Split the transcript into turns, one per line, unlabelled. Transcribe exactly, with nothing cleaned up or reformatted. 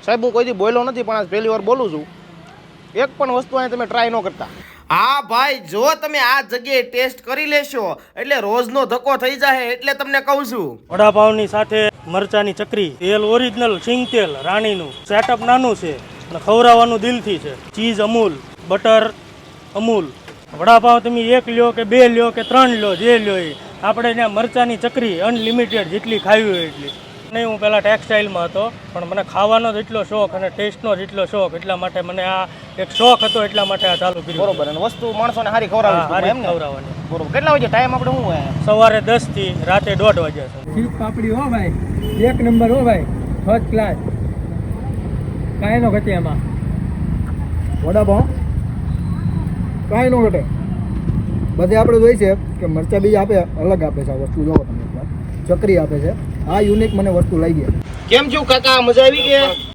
સાહેબ હું કોઈથી બોલ્યો નથી પણ આજ પહેલી વાર બોલું છું. એક પણ વસ્તુ અહીં તમે ટ્રાય ન કરતા.
હા ભાઈ, જો તમે આ જગ્યાએ ટેસ્ટ કરી લેશો એટલે રોજનો ધક્કો થઈ જાય, એટલે તમને કહું છું.
વડાપાવની સાથે મરચાની ચકરી, તેલ ઓરિજિનલ સિંગ તેલ રાણીનું, સેટઅપ નાનું છે અને ખવડાવવાનું દિલથી છે. Cheese Amul, butter Amul. વડાપાવ તમે એક લ્યો કે બે લ્યો કે ત્રણ લ્યો, જે લ્યો એ આપણે ત્યાં મરચાની ચકરી અનલિમિટેડ, જેટલી ખાવી હોય એટલી. નહીં, હું પહેલાં ટેક્સટાઇલમાં હતો પણ મને ખાવાનો જ એટલો શોખ અને ટેસ્ટનો જ એટલો શોખ, એટલા માટે મને આ એક શોખ હતો, એટલા માટે આ ચાલુ કર્યું.
બરોબર. અને વસ્તુ માણસોને સારી ખવડાવી એમ ને?
ખવડાવવાની.
બરોબર. કેટલા વાગે ટાઈમ આપણે શું હોય?
સવારે દસ થી રાતે દોઢ વાગ્યા સુધી.
ચીઝ પાપડી હો ભાઈ, એક નંબર હો ભાઈ, ફર્સ્ટ ક્લાસ, કાંઈ નો ઘટે એમાં. વડાપાઉં કાંઈ નો ઘટે. બધે આપણે જોઈ છે કે મરચા બીજ આપે, અલગ આપે છે. આ વસ્તુ જોવો તમે એકવાર, ચકરી આપે છે. આ યુનિક મને વસ્તુ લાગી.
કેમ છું કાકા, મજા આવી ગઈ?